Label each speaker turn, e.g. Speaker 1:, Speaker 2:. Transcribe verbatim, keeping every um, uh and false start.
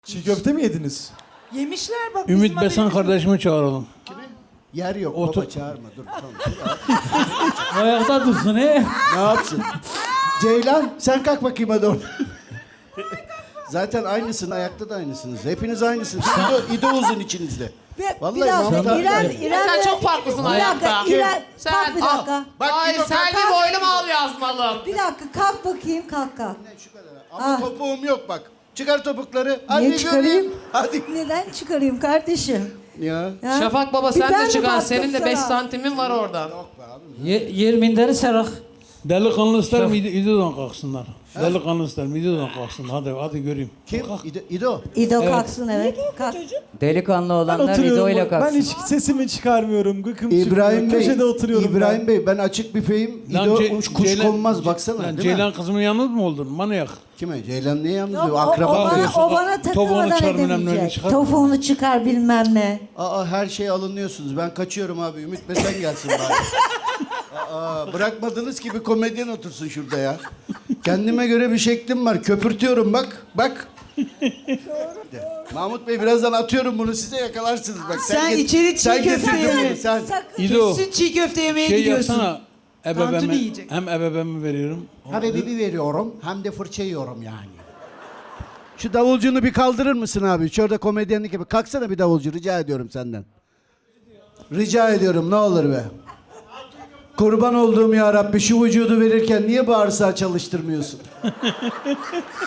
Speaker 1: Çiğ köfte mi yediniz?
Speaker 2: Yemişler bak.
Speaker 3: Ümit
Speaker 2: bizim
Speaker 3: Besen
Speaker 2: haberimiz yok.
Speaker 3: kardeşimi çağıralım.
Speaker 4: Yer yok
Speaker 3: Otur.
Speaker 4: baba çağırma dur tamam.
Speaker 3: Ayakta dursun he.
Speaker 4: Ne yapsın? Ceylan sen kalk bakayım hadi oradan. Zaten aynısın ayakta da aynısınız. Hepiniz aynısınız. İdo, İdo uzun içinizde.
Speaker 2: Ve
Speaker 4: Vallahi
Speaker 2: bir dakika
Speaker 4: Mahmut abi-
Speaker 2: İrem,
Speaker 4: Ya
Speaker 2: İrem
Speaker 5: sen
Speaker 2: ve-
Speaker 5: çok farklısın
Speaker 2: Bir
Speaker 5: hayatta.
Speaker 2: dakika İrem
Speaker 5: Sen-
Speaker 2: kalk bir dakika.
Speaker 4: Bak
Speaker 5: Ay
Speaker 4: İdo
Speaker 5: sen
Speaker 4: kalk.
Speaker 5: bir boynum al yazmalım.
Speaker 2: Bir dakika kalk bakayım kalk kalk.
Speaker 4: Şu kadar. Ama
Speaker 2: Ah.
Speaker 4: topuğum yok bak. Çıkar topukları. Hadi
Speaker 2: Niye çıkarayım?
Speaker 4: göreyim. Hadi.
Speaker 2: Neden çıkarayım kardeşim?
Speaker 4: Ya.
Speaker 2: Ya?
Speaker 5: Şafak baba
Speaker 2: Bir
Speaker 5: sen
Speaker 2: ben
Speaker 5: de
Speaker 2: mi
Speaker 5: çıkar.
Speaker 2: baktım
Speaker 5: Senin de beş
Speaker 2: sana?
Speaker 5: santimin var oradan.
Speaker 6: Ye, yer minderi serak.
Speaker 3: Delikanlı ister mi? İdo'dan kalksınlar. Delikanlı ister mi? İdo'dan kalksınlar. Hadi hadi göreyim.
Speaker 4: Kim? İdo. İdo.
Speaker 2: İdo kalksın evet. Kalk.
Speaker 6: Delikanlı
Speaker 1: Ben
Speaker 6: olanlar İdo
Speaker 1: oturuyorum.
Speaker 6: ile
Speaker 1: Ben
Speaker 6: kalksın.
Speaker 1: hiç sesimi çıkarmıyorum. Gıkım
Speaker 4: İbrahim
Speaker 1: çıkmıyor.
Speaker 4: Bey.
Speaker 1: Köşede oturuyorum
Speaker 4: İbrahim Bey ben açık büfeyim. İdo
Speaker 3: Ce-
Speaker 4: uç kuş
Speaker 3: Ceylan-
Speaker 4: konmaz baksana
Speaker 3: Lan
Speaker 4: değil mi?
Speaker 3: Ceylan kızımın yalnız mı oldun? Manyak.
Speaker 4: Kime? Ceylan niye yalnız
Speaker 2: Yok,
Speaker 4: diyor?
Speaker 2: o, o
Speaker 4: Akraba
Speaker 2: bana,
Speaker 4: diyorsun.
Speaker 2: o bana
Speaker 3: Topuğunu
Speaker 2: takılmadan
Speaker 3: çıkar, bilmem ne
Speaker 2: edemeyecek.
Speaker 3: çıkar.
Speaker 2: Topuğunu çıkar bilmem ne.
Speaker 4: Aa her şeye alınıyorsunuz. Ben kaçıyorum abi. Ümit Besen gelsin bari. Aa bırakmadığınız gibi komedyen otursun şurada ya. Kendime göre bir şeklim var. Köpürtüyorum bak. Bak. Mahmut Bey birazdan atıyorum bunu size yakalarsınız bak.
Speaker 7: Sen
Speaker 4: get-
Speaker 7: içeri çiğ
Speaker 4: sen
Speaker 7: köfte
Speaker 4: getirdin
Speaker 7: ye.
Speaker 4: bunu, Sen.
Speaker 2: Sakın.
Speaker 3: İdo
Speaker 7: Kesin çiğ köfte yemeye
Speaker 3: şey
Speaker 7: gidiyorsun.
Speaker 3: yapsana.
Speaker 7: Tantuni
Speaker 3: Ebebeme,
Speaker 7: yiyecek.
Speaker 3: hem ebebemi veriyorum.
Speaker 4: Habibi veriyorum hem de fırça yiyorum yani. Şu davulcunu bir kaldırır mısın abi? Şurada komedyenlik gibi. Kalksana bir davulcu rica ediyorum senden. Rica ediyorum ne olur be. Kurban olduğum ya Rabbi şu vücudu verirken niye bağırsağı çalıştırmıyorsun?